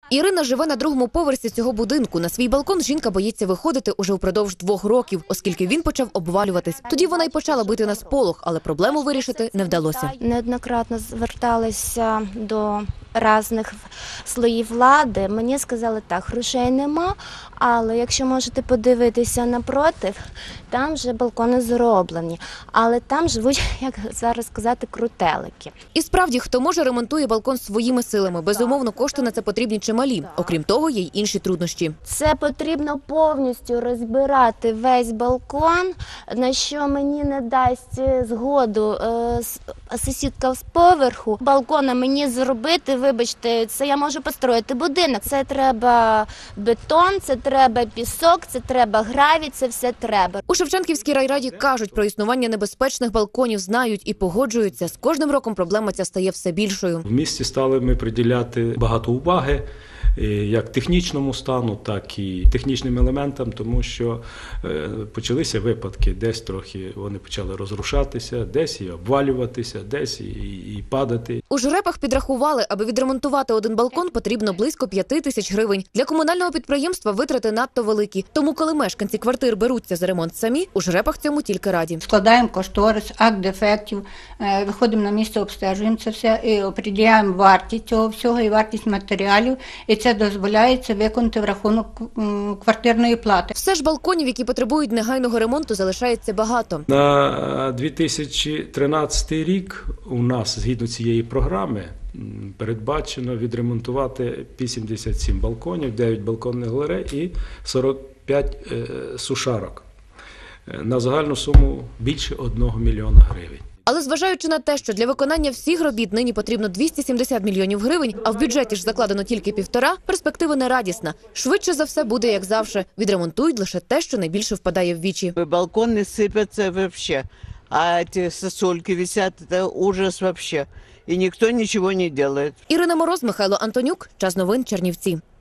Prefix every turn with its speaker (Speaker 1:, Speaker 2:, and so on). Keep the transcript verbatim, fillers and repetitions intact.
Speaker 1: Ірина живе на другому поверсі цього будинку. На свій балкон жінка боїться виходити уже впродовж двох років, оскільки він почав обвалюватись. Тоді вона й почала бити на сполох, але проблему вирішити не вдалося.
Speaker 2: Неоднократно зверталися до різних слоїв влади. Мені сказали, так, грошей нема, але якщо можете подивитися напротив, там вже балкони зроблені. Але там живуть, як зараз сказати, крутелики.
Speaker 1: І справді, хто може, ремонтує балкон своїми силами. Безумовно, кошти на це потрібні чималі. Окрім того, є й інші труднощі.
Speaker 2: Це потрібно повністю розбирати весь балкон, на що мені не дасть згоду е, сусідка з поверху. Балкона мені зробити, вибачте, це я можу построїти будинок. Це треба бетон, це треба пісок, це треба гравій, це все треба.
Speaker 1: У Шевченківській райраді кажуть, про існування небезпечних балконів знають і погоджуються. З кожним роком проблема ця стає все більшою.
Speaker 3: В місті стали ми приділяти багато уваги як технічному стану, так і технічним елементам, тому що почалися випадки, десь трохи вони почали розрушатися, десь і обвалюватися, десь і, і падати.
Speaker 1: У Жрепах підрахували, аби відремонтувати один балкон, потрібно близько п'яти тисяч гривень. Для комунального підприємства витрати надто великі. Тому, коли мешканці квартир беруться за ремонт самі, у Жрепах цьому тільки раді.
Speaker 4: Складаємо кошторис, акт дефектів, виходимо на місце, обстежуємо це все і определяємо вартість цього всього і вартість матеріалів. І це дозволяється виконати в рахунок квартирної плати.
Speaker 1: Все ж балконів, які потребують негайного ремонту, залишається багато.
Speaker 3: На дві тисячі тринадцятий рік у нас, згідно цієї програми, передбачено відремонтувати вісімдесят сім балконів, дев'ять балконних галерей і сорок п'ять е, сушарок. На загальну суму більше одного мільйона гривень.
Speaker 1: Але зважаючи на те, що для виконання всіх робіт нині потрібно двісті сімдесят мільйонів гривень, а в бюджеті ж закладено тільки півтора, перспектива не радісна. Швидше за все буде, як завжди. Відремонтують лише те, що найбільше впадає в вічі.
Speaker 5: Балконы сыпятся вообще, а эти сосульки висят, это ужас вообще. И никто ничего не делает.
Speaker 1: Ірина Мороз, Михайло Антонюк. Час новин, Чернівці.